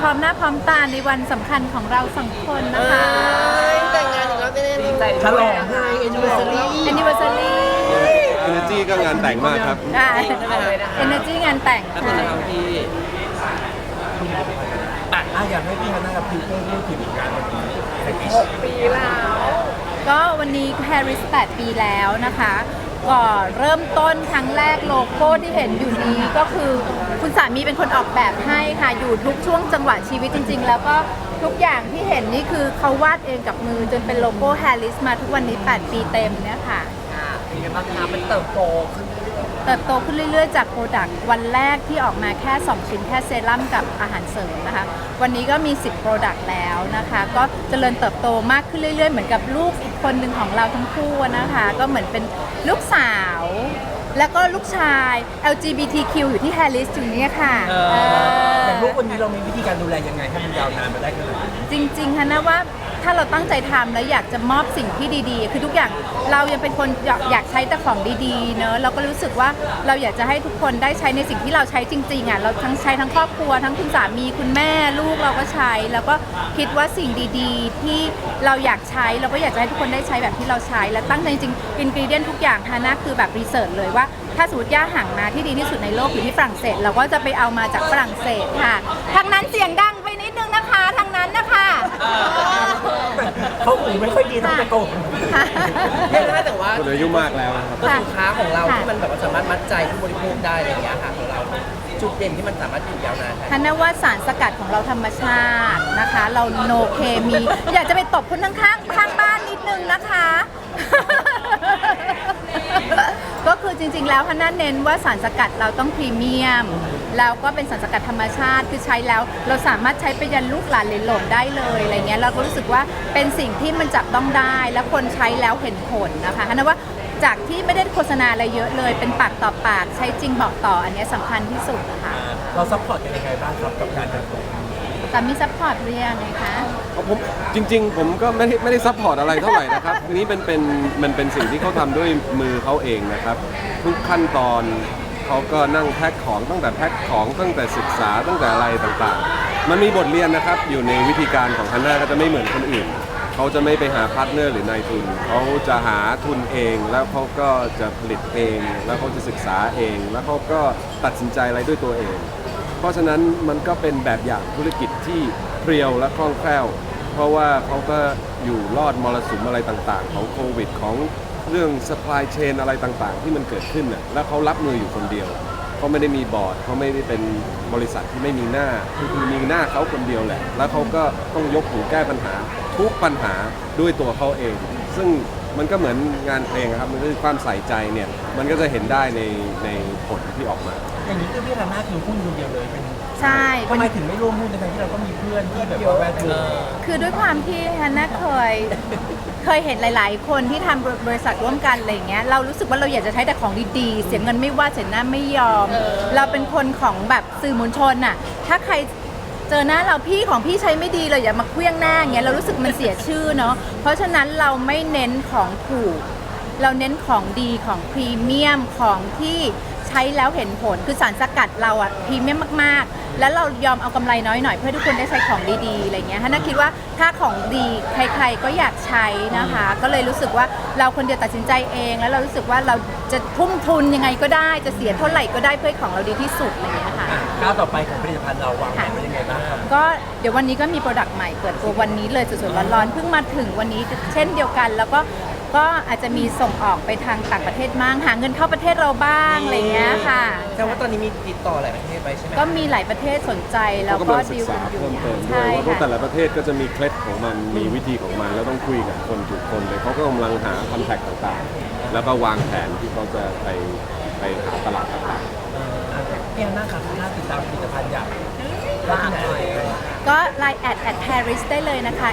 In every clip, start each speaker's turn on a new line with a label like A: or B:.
A: พร้อมหน้าพร้อมตาในวันสำคัญของเราสองคนนะคะ
B: แต่งงานอีกแล้วไม่ได้เลย
C: ฉลองให้
A: anniversary
D: Energy ก็งานแต่งมากครับ
A: ค่ะ energy งานแต่ง
B: แล้วคุณจะทำที่
C: อยากให้พี่ฮันน่ากับพี่เพิ่มพูดถึงงานวันนี้6 ปีแล้ว
A: ก็วันนี้ Paris 8 ปีแล้วนะคะก็เริ่มต้นครั้งแรกโลโก้ที่เห็นอยู่นี้ก็คือคุณสามีเป็นคนออกแบบให้ค่ะอยู่ทุกช่วงจังหวะชีวิตจริงๆ แล้วก็ทุกอย่างที่เห็นนี่คือเขาวาดเองกับมือจนเป็นโลโก้ Paris มาทุกวันนี้ 8 ปีเต็มเนี่ยค่ะ
B: เป็นไงบ้างคะมันเติบโตขึ้น
A: เติบโตขึ้นเรื่อยๆจากโปรดักต์วันแรกที่ออกมาแค่ 2 ชิ้นแค่เซรั่มกับอาหารเสริมนะคะวันนี้ก็มี 10 โปรดักต์แล้วนะคะก็เจริญเติบโตมากขึ้นเรื่อยๆเหมือนกับลูกอีกคนหนึ่งของเราทั้งคู่นะคะก็เหมือนเป็นลูกสาวแล้วก็ลูกชาย LGBTQ อยู่ที่ Harris อยู่เนี่ยค่ะ
C: แต่ลูกคนนี้เรามีวิธีการดูแลยังไงให้มันยาวนานมาได้ขนาดนี้
A: จริงๆค่ะนะว่าถ้าเราตั้งใจทำแล้วอยากจะมอบสิ่งที่ดีๆคือทุกอย่างเรายังเป็นคนอยากใช้แต่ของดีๆเนอะเราก็รู้สึกว่าเราอยากจะให้ทุกคนได้ใช้ในสิ่งที่เราใช้จริงๆอ่ะเราทั้งใช้ทั้งครอบครัวทั้งคุณสามีคุณแม่ลูกเราก็ใช้ แล้วก็คิดว่าสิ่งดีๆที่เราอยากใช้เราก็อยากจะให้ทุกคนได้ใช้แบบที่เราใช้และตั้งใจจริงๆอินกรีเดียนทุกอย่างฮาน่าคือแบบรีเสิร์ชเลยว่าถ้าสมมติย่าห่างมาที่ดีที่สุดในโลกอยู่ที่ฝรั่งเศสเราก็จะไปเอามาจากฝรั่งเศสค่ะทางนั้นเสียงดังไปนิดนึงนะคะทางนั้นนะคะ
C: เขาหูไม่ค่อยดีต้องตะโกน
B: เรียกได้แต่ว่า
D: คนอายุมากแล้วนะครับ
B: ก็สินค้าของเราที่มันแบบว่าสามารถมัดใจผู้บริโภคได้อะไรอย่างเงี้ยค่ะของเราจุดเด่นที่มันสามารถอยู่ยาวนาน
A: ฮันน่าว่าสารสกัดของเราธรรมชาตินะคะ เราโนเคมี อยากจะไปตบคนข้างบ้านนิดนึงนะคะ ก็คือจริงๆแล้วฮันน่าเน้นว่าสารสกัดเราต้องพรีเมียมแล้วก็เป็นสารสกัดธรรมชาติคือใช้แล้วเราสามารถใช้ไปยันลูกหลานเหลนหลนได้เลยอะไรเงี้ยเราก็รู้สึกว่าเป็นสิ่งที่มันจับต้องได้และคนใช้แล้วเห็นผลนะคะฮันน่าว่าจากที่ไม่ได้โฆษณาอะไรเยอะเลยเป็นปากต่อปากใช้จริงบอกต่ออันนี้สำคัญที่สุดนะคะ
C: เราซัพพอร์ตกันยังไงบ้างครับกับการเติบโต
A: แต่มีซัพพอร์ตเรียงไงคะ
D: ผมจริงๆ ผมก็ไม่ได้ซัพพอร์ตอะไรเท่าไหร่นะครับ ทีนี้มันเป็นสิ่งที่เขาทำด้วยมือเขาเองนะครับ ทุกขั้นตอนเขาก็นั่งแพ็คของตั้งแต่แพ็คของตั้งแต่ศึกษาตั้งแต่อะไรต่างๆ มันมีบทเรียนนะครับอยู่ในวิธีการของฮันน่าก็จะไม่เหมือนคนอื่น เขาจะไม่ไปหาพาร์ทเนอร์หรือนายทุน เขาจะหาทุนเองแล้วเขาก็จะผลิตเอง แล้วเขาจะศึกษาเอง แล้วเขาก็ตัดสินใจอะไรด้วยตัวเอง เพราะฉะนั้นมันก็เป็นแบบอย่างธุรกิจที่เพรียวและคล่องแคล่ว เพราะว่าเขาก็อยู่รอดมรสุมอะไรต่างๆ ของโควิดของเรื่อง supply chain อะไรต่างๆ ที่มันเกิดขึ้นน่ะแล้วเขารับมืออยู่คนเดียวเขาไม่ได้มีบอร์ดเขาไม่ได้เป็นบริษัทที่ไม่มีหน้าคือมีหน้าเขาคนเดียวแหละแล้วเขาก็ต้องยกหูแก้ปัญหาทุกปัญหาด้วยตัวเขาเอง ซึ่งมันก็เหมือนงานเพลงครับมันก็คือความใส่ใจเนี่ยมันก็จะเห็นได้ในผลที่ออกมา
C: อย่างนี้คือพี่ฮันน่าคือหุ้นคนเดียวเลยเป็น
A: ใช่
C: ทำไมถึงไม่ร่วมหุ้นในที่เราก็มีเพื่อนที่แบบว่าแวดวง
A: คือด้วยความที่ฮันน่าเคยเห็นหลายๆ คนที่ทำบริษัทร่วมกันอะไรอย่างเงี้ยเรารู้สึกว่าเราอยากจะใช้แต่ของดีๆเสียเงินไม่ว่าเสียหน้าไม่ยอม เราเป็นคนของแบบสื่อมวลชนน่ะถ้าใครเจอหน้าเราพี่ของพี่ใช้ไม่ดีเลยอย่ามาเคลี้ยงหน้าอย่างเงี้ยเรารู้สึกมันเสียชื่อเนาะเพราะฉะนั้นเราไม่เน้นของถูกเราเน้นของดีของพรีเมียมของที่ใช้แล้วเห็นผลคือสารสกัดเราอะพรีเมียมมากๆแล้วเรายอมเอากำไรน้อยหน่อยเพื่อทุกคนได้ใช้ของดีๆอะไรเงี้ยฮันน่าคิดว่าถ้าของดีใครๆก็อยากใช้นะคะก็เลยรู้สึกว่าเราคนเดียวตัดสินใจเองแล้วเรารู้สึกว่าเราจะทุ่มทุนยังไงก็ได้จะเสียเท่าไหร่ก็ได้เพื่อของเราดีที่สุดอะไรเงี้ยค่ะ
C: ก้าวต่อไปของผลิตภัณฑ์เราวางแผนไว้ยังไงบ้างครับ
A: ก็เดี๋ยววันนี้ก็มีโปรดักต์ใหม่เปิดตัววันนี้เลยสดๆร้อนๆเพิ่งมาถึงวันนี้เช่นเดียวกัน แล้วก็อาจจะมีส่งออกไปทางต่างประเทศบ้างหาเงินเข้าประเทศเราบ้างอะไรเงี้ยค่ะ
B: แต่ว่าตอนนี้มีติดต่อหลายประเทศไปใช่ไหม
A: ก็มีหลายประเทศสนใจแล้ว
D: เขา
A: ก็
D: กำลังศึ
A: ดี
D: ก
A: ล
D: ษา
A: กันอยู่
D: เพิ่มเติมด้ว
A: ใช่
D: ยว่า
A: ค่ะ
D: แต่ละประเทศก็จะมีเคล็ดของมันมีวิธีของมันแล้วต้องคุยกับคนถูกคนเลยเขาก็กำลังหาคอนแทคต่างๆ แล้วก็วางแผนที่เขาจะไปหาตลาดต่างๆ
C: พี่ฮันน่าครับน่าติดตามผลิตภัณฑ์อย่างร้านไหน
A: ก็ Line @Harris ได้เลยนะคะ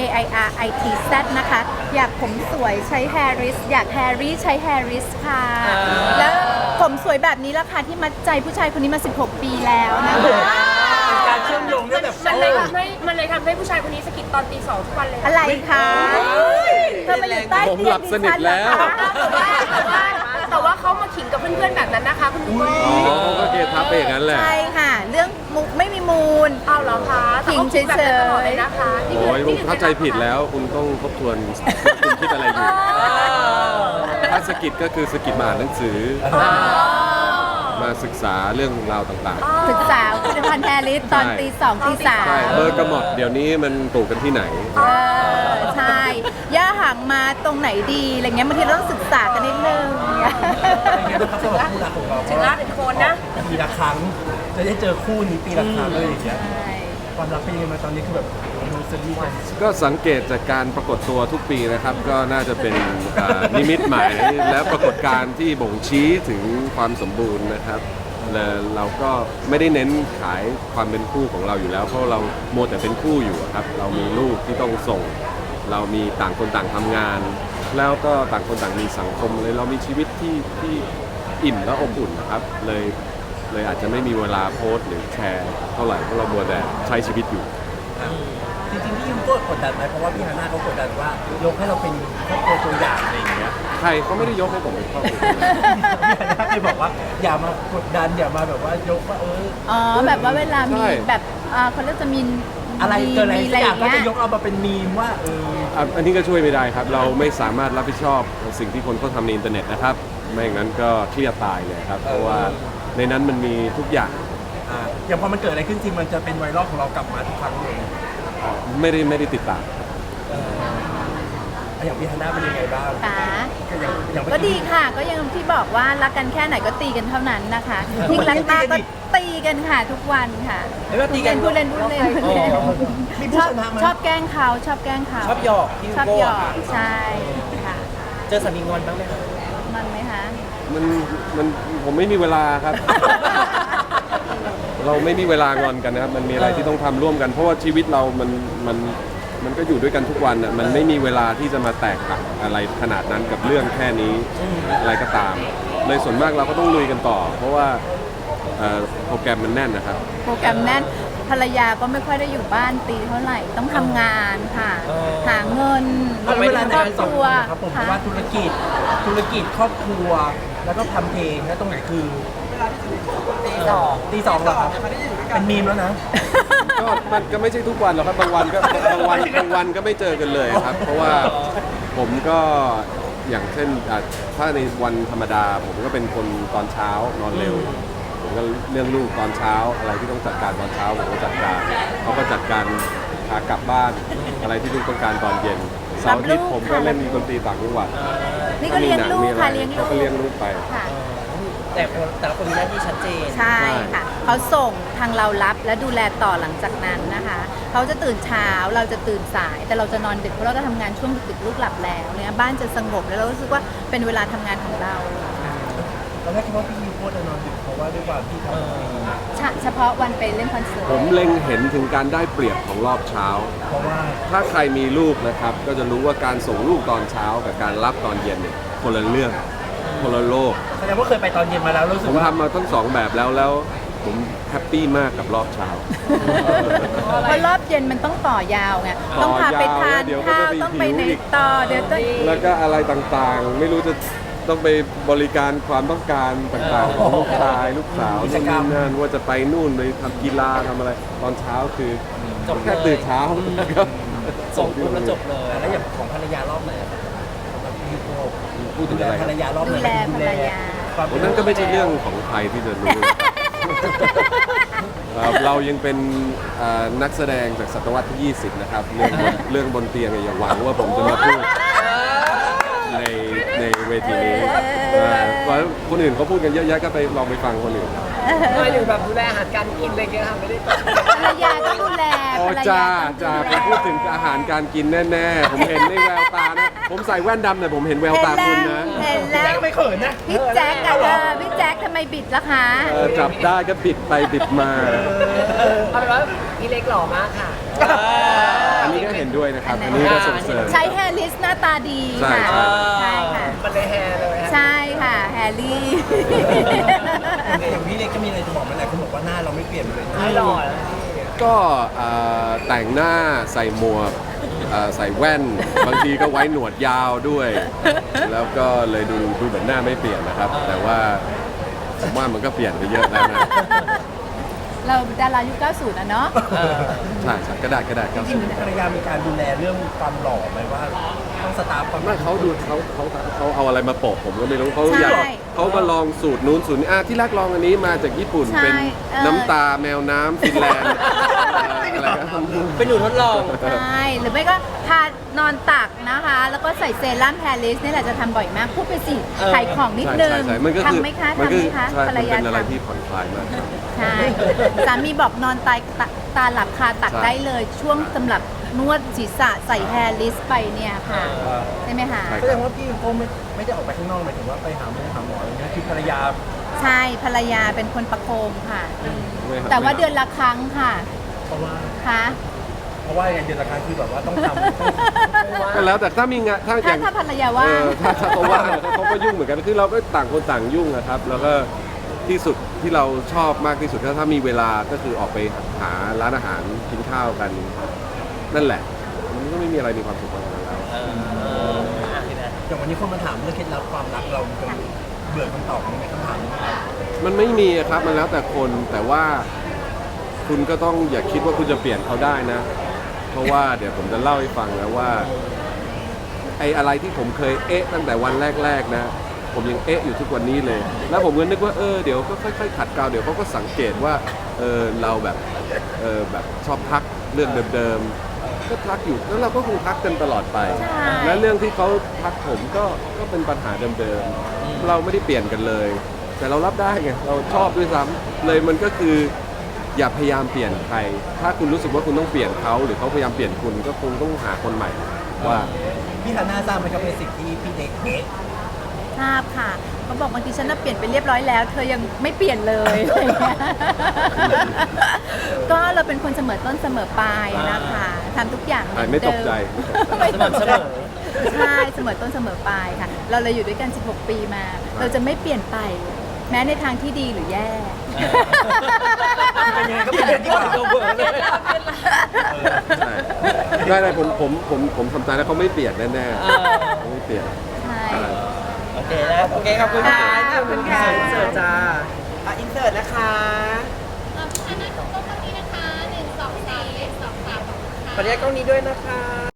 A: HAIRITZ นะคะอยากผมสวยใช้ Harris อยาก Harry ใช้ Harris ค่ะแล้วผมสวยแบบนี้ราคาที่มัดใจผู้ชายคนนี้มา 16 ปีแล้วนะคะ
C: การเชื่อมโยงด้วยแบบ
E: มันเลยทำให้ผู้ชายคนนี้สะกิดตอนตี 2ทุกวันเลย
A: อะไรคะเธอมาอยู่ใต้
D: ผม
A: เตี
D: ห
A: ย
D: ลั
A: ง
D: บ
A: ดิ
D: สนิ
A: ฉั
D: ท
A: นเหร
D: แล้
A: อ
D: ว
A: คะ
E: แต่ว่าเขามาขิงกับเพื่อนๆแบบนั้นนะคะคุณผู้ชม
D: อ๋อเขาก็เกทับไปอย่างนั้นแหละ
A: ใช่ค่ะ เรื่องมุกไม่มีมูล
E: เอาเหรอคะ
A: ขิงเฉยๆ
E: แบบนั้นตลอดเลยนะคะนี่
D: โอ้ย
E: คือ
D: เข้าใจผิดแล้วคุณต้องทบทวนคุณคิดอะไรอยู่ ถ้าสกิดก็คือสกิดมาอ่านหนังสือ มาศึกษาเรื่องราวต่าง
A: ศึกษาผลิตภัณฑ์แฮร์ริสตอนตี 2 ตี
D: ๆใช่เบอร์กระหมดเดี๋ยวนี้มันปลูกกันที่ไหน
A: ใช่ย่าหางมาตรงไหนดีอะไรเงี้ยบางทีเราต้องศึกษากันนิดนึง
C: เป็นไงบ้างครับสำหรับคู่รักของเรา
E: ถึงละ1 คนนะ
C: ปีละครั้งจะได้เจอคู่นี้ปีละครั้งเลยอย่างเงี้ย
A: ใช่
C: ความรักเป็นยังไงมาตอนนี้คือแบบดูซีรีส์กัน
D: ก็สังเกตจากการปรากฏตัวทุกปีนะครับ ก็น่าจะเป็นนิมิตหมายและปรากฏการณ์ที่บ่งชี้ถึงความสมบูรณ์นะครับและเราก็ไม่ได้เน้นขายความเป็นคู่ของเราอยู่แล้ว เพราะเราโมวแต่เป็นคู่อยู่อะครับ เรามีลูกที่ต้องส่ง เรามีต่างคนต่างทำงาน แล้วก็ต่างคนต่างมีสังคมเลยเรามีชีวิตที่อิ่มและอบอุ่นนะครับเลยอาจจะไม่มีเวลาโพสต์หรือแชร์เท่าไหร่เพราะเรามัวแต่ใช้ชีวิตอยู่
C: จริงๆพี่ยูก็กดดันไหมเพราะว่าพี่ฮาน่าเขากดดันว่ายกให้เราเป็นครอบครัวตัวอย่างอะไรอย่างเงี้ย
D: ใครเขาไม่ได้ยกให้ผมเป็นครอบครัว
C: พี่ฮาน่าเคยบอกว่าอย่ามากดดันอย่ามาแบบว่ายกว่า
A: อ๋อแบบว่าเวลามี
D: ใช่
A: แบบเขาเรียกจะมี
C: อะไรเกิดอะไร
A: มี
C: สักอย่างก็
A: เงี้
C: จะยกเอามาเป็นมีมว่า
D: อันนี้ก็ช่วยไม่ได้ครับ เราไม่สามารถรับผิดชอบสิ่งที่คนเขาทำในอินเทอร์เน็ตนะครับ ไม่งั้นก็เครียดตายเลยครับ เพราะว่าในนั้นมันมีทุกอย่าง
C: อย่างพอมันเกิดอะไรขึ้นจริงมันจะเป็นไวรัลของเรากลับมาทุกครั้งเลย
D: ไม่ได้ติดตาม
C: อย่างพี่ฮาน่าเป็นยังไงบ้าง
A: ค่ะ
C: อย่างเมื่อ
A: ก็ดีค่ะ ก็ยังที่บอกว่ารักกันแค่ไหนก็ตีกันเท่านั้นนะคะยิ่งรักมากก็ตีกันค่ะทุกวันค่ะ
B: เฮ้ยว่าตีกัน
A: พูดเล่นพูดเล่นพูดเล่น
C: มี
A: ช
C: ผู้
A: อบ
C: ชนะไหม
A: ชอบแกล้งเขาชอบแกล้งเขา
B: ชอบหยอกพี่
A: ชอบ
B: โก้
A: หยอกใช่ค่ะ
B: เจอสามีงอนบ้างไหมคะ
A: มันไหมคะ
D: มันผมไม่มีเวลาครับ เราไม่มีเวลางอนกันนะครับ มันมีอะไรที่ต้องทำร่วมกัน เพราะว่าชีวิตเรามันก็อยู่ด้วยกันทุกวันอ่ะมันไม่มีเวลาที่จะมาแตกหักอะไรขนาดนั้นกับเรื่องแค่นี้อะไรก็ตามเลยส่วนมากเราก็ต้องลุยกันต่อ เพราะว่าโปรแกรมมันแน่นนะครับ
A: โปรแกรมแน่นภรรยาก็ไม่ค่อยได้อยู่บ้านตีเท่าไหร่ต้องทำงานค่ะ หาเงิน
C: เอาเวลาใน
A: ครอบ
C: การ
A: ค
C: สอง
A: รั
C: คว นนะครับผมเพ
A: ค่ะ
C: ราะว่าธุรกิจครอบครัวแล้วก็ทำเพลงแล้วตรงไหนคือตีสองเหรอครับเป็นมีมแล้วนะ
D: ก็มันก็ไม่ใช่ทุกวันหรอกครับบางวันก็ไม่เจอกันเลยครับ เพราะว่าผมก็อย่างเช่นถ้าในวันธรรมดาผมก็เป็นคนตอนเช้านอนเร็ว ผมก็เรื่องลูกตอนเช้าอะไรที่ต้องจัดการตอนเช้าผมก็จัดการเขาก็จัดการพากลับบ้านอะไรที่ลูกต้องการตอนเย็นเสาร์อาทิตย์ผมก็เล่นดนตรีต่างจังหวัด
A: นี่ก็เลี้ยงลูกค่ะ
D: มี
A: เลี้ยง
D: หนั
A: ลู
D: เขา
A: ก
D: ก็เลี้ยงลูกไป
A: ค่ะ
B: แต่ละคนมีหน้าที่ชัดเจน
A: ใช่ค่ะเขาส่งทางเรารับและดูแลต่อหลังจากนั้นนะคะเขาจะตื่นเช้าเราจะตื่นสาย แต่เราจะนอนดึกเพราะเราจะทำงานช่วงดึกๆลูกหลับแล้วเนี่ยบ้านจะสงบแล้วเรารู้สึกว่าเป็นเวลาทำงานของเรา
C: ตอนแรกคิดว่าพี่ยูโคตรจะนอนดึกเพราะว่าด้วยความที่ทำ
A: เฉพาะวันไปเล่นคอนเสิร์ต
D: ผมเล็งเห็นถึงการได้เปรียบของรอบเช้า
C: เพราะว่า
D: ถ้าใครมีลูกนะครับ ก็จะรู้ว่าการส่งลูกตอนเช้ากับการรับตอนเย็นเนี่ยคนละเรื่องคนละโลก
C: แสดงว่าเคยไปตอนเย็นมาแล้วรู้สึ
D: ผ
C: ก
D: ม
C: ว่า
D: ทำมาทั้งสองแบบแล้วผมแฮปปี้มากกับรอบเช้า
A: เพราะรอบเย็นมันต้องต่อยาวไงต้องพาไปทาน
D: เดี๋ยวก็
A: ข้าว
D: จะ
A: ต้องไป
D: หิว
A: ไหน
D: อีก
A: ต่อเดี๋ยวต้อง
D: แล้วก็อะไรต่างๆ ไม่รู้จะต้องไปบริการความต้องการต่างๆของลูกชายลูกสาวนู่นนี่นั่นว่าจะไปนู่นไปทำกีฬาทำอะไรตอนเช้าคือ
B: จบเลย
D: แค่ตื่นเช้าแล้วก็
B: ส่งปุ๊บแล้วจบเลย
C: แล้วอย่างของภรรยารอบไหนอะครับของพี่ยูโค
D: พูดถึ
C: ดู
D: ง
C: แล
D: อะไรค
C: ภ
D: รั
C: ร
D: บ
C: รยารอบไหน
A: ดูแลภรรยา
C: ความ
D: วันนั้นก็ไม่ใช่เรื่องของใครที่จะรู้ เรายังเป็นนักแสดงจากศตวรรษที่ 20 นะครับ เรื่องบนเตียงอย่าหวังว่าผมจะมาพูดในเวทีนี้เพราะคนอื่นเขาพูดกันเยอะแยะก็ไปลองไปฟังคนอื่น
E: ไม่ถึงแบบดูแลอาหารการกินอะไรเงี้ยค่ะไม่ได้
A: ภรรยาต้องดูแล
D: อ๋อ
A: ภรร
D: จ้าย
A: า
D: จ้า
A: ต้อง
D: ผมพูดถึงอาหารการกินแน่ๆ ผมเห็นในแววตานะ ผมใส่แว่นดำแต่ผมเห็นแววตาคุณนะ
A: เห็นแล้ว
C: ไม่เขินนะ
A: พี่แจ๊คอะพี่แจ๊คทำไมบิดล่ะคะ
D: จับได้ก็บิดไปบิดมา
E: เอาเป็นว่าพี่เล็กหล่อมากค่ะ
D: อันนี้ก็เห็นด้วยนะครับ อันนี้ก็ส่งเสริม
A: ใช้แฮร์ริสหน้าตาดี
D: ใช่
A: ค่ะ
D: ใช่
A: ใช่ค่ะ
E: มันเลยแฮร์เลย
A: ใช่ค่ะแฮร์รี่
C: อย่างพี่เล็กก็มีอะไรจะบอกไหมหลายคนบอกว่าหน้าเราไม่เปลี่ยนเลย
E: ไม่หล่อ
D: ก็แต่งหน้าใส่หมวกใส่แว่น บางทีก็ไว้หนวดยาวด้วย แล้วก็เลยดูเหมือนหน้าไม่เปลี่ยนนะครับ แต่ว่าผมว่ามันก็เปลี่ยนไปเยอะแล้วนะ
A: เราดารายุค 90นะเนาะ
D: ใช่ใช่กระดาษครับ
C: จริงๆภรรยามีการดูแลเรื่องความหล่อไหมว่าต้องสตาร์ฟความ
D: ไม่เขาดูเขาเอาอะไรมาโปะผมก็ไม่รู้เขาอยาก
A: ใช่
D: เขามาลองสูตรนู้นสูตรนี้ที่รักลองอันนี้มาจากญี่ปุ่น
A: ใช่
D: เป็น
A: เออ
D: น้ำตาแมวน้ำฟินแลนด์อะไรก็
B: เป็นหนูทดลอง
A: ใช่หรือไม่ก็ทานอนตักนะคะ แล้วก็ใส่เซรั่มแฮร์ริสนี่แหละจะทำบ่อยมาก พูดไปสิขายของนิดนึง
D: ใช่มันก็คือ
A: ทำไหมคะ
D: มัน
A: ทำ
D: ก็
A: ไหมคะ
D: ใช่
A: ภรร
D: มัน
A: ยา
D: เป็นอะไร
A: ทำ
D: ที่ผ่อนคลายมากครับ
A: ใช่ สามีบอกนอนตาหลับคาตัก
D: ใช่
A: ได้เลย ช่วงสำหรับนวดศีรษะใส่แฮร์ริสไปเนี่ยค่ะ ใช่ไหมคะ
D: ใช่
C: แสดงว่าพี่ยูโก้ไม่ได้ออกไปข้างนอกหมายถึงว่าไปหาหมออะไรเงี้ยคือภรรยา
A: ใช่ภรรยาเป็นคนประโคมค่ะ
D: ไม่ครับ
A: แต่ว่าเดือนละครั้งค่ะ
C: เพราะว่า
A: ค่ะ
C: เพราะว่าอย่างเดือนละครั้งคือแบบว่าต้องทำ
D: ก็แล้วแต่ถ้ามีงานถ้าอย่าง
A: ถ้าภรรยาว่าง
D: ถ้าเขาว่างเขาก็ยุ่งเหมือนกันคือเราก็ต่างคนต่างยุ่งนะครับ แล้วก็ที่สุดที่เราชอบมากที่สุดถ้ามีเวลาก็คือออกไปหาร้านอาหารกินข้าวกัน นั่นแหละ มันก็ไม่มีอะไรมีความสุขกว่านั้นแล้ว
C: อย่างวันนี้คนมาถามเรื่องเคล็ดลับความรักเราจะเบื่อคำตอบนี้ไหมคำถามนี้ครับ
D: มันไม่มีอะครับมันแล้วแต่คนแต่ว่าคุณก็ต้องอย่าคิดว่าคุณจะเปลี่ยนเขาได้นะ เพราะว่าเดี๋ยวผมจะเล่าให้ฟังนะว่าไอ้อะไรที่ผมเคยตั้งแต่วันแรกๆนะ ผมยังอยู่ทุกวันนี้เลย แล้วผมก็นึกว่าเดี๋ยวก็ค่อยๆขัดเกลาเดี๋ยวเขาก็สังเกตว่าเราแบบแบบชอบทักเรื่องเดิมๆก็ทักอยู่แล้วเราก็คงทักกันตลอดไป
A: ใช่
D: และเรื่องที่เขาทักผมก็เป็นปัญหาเดิมๆเราไม่ได้เปลี่ยนกันเลย แต่เรารับได้ไงเราชอบด้วยซ้ำเลยมันก็คืออย่าพยายามเปลี่ยนใคร ถ้าคุณรู้สึกว่าคุณต้องเปลี่ยนเขาหรือเขาพยายามเปลี่ยนคุณก็คงต้องหาคนใหม่ว่า
C: พี่ฮาน่าทราบไหมครับเป็นสิ่งที่พี่เด็ก
A: ทราบค่ะเขาบอกบางทีฉันน่ะเปลี่ยนไปเรียบร้อยแล้ว เธอยังไม่เปลี่ยนเลยอะไรอย่างเงี้ยก็เราเป็นคนเสมอต้นเสมอปลายนะคะทำทุกอย่างเห
D: ไม่
A: อนเดิ
D: ตกใจ
A: ไม่ตก
B: เส
A: ใจ
B: มอ
A: ใช่เสมอต้นเสมอปลายค่ะ เราเลยอยู่ด้วยกัน 16 ปีมา เราจะไม่เปลี่ยนไป แม้ในทางที่ดีหรือแย่
C: เป็นยังไงก็เป็นอย่างที่ว่า
B: ตัวเบื่อเลย
D: ใช่ได้ผมทำใจแล้วเขาไม่เปลี่ยนแน่ๆเขาไม่เปลี่ยน
A: ใช่
B: โอเคนะโอเคขอบคุณค่ะ
A: ขอบคุณค่ะ
B: เสิร์ฟจ้า
E: อินเสิร์ตนะคะ
B: ขออนุญาตกล้องนี้ด้วยนะคะ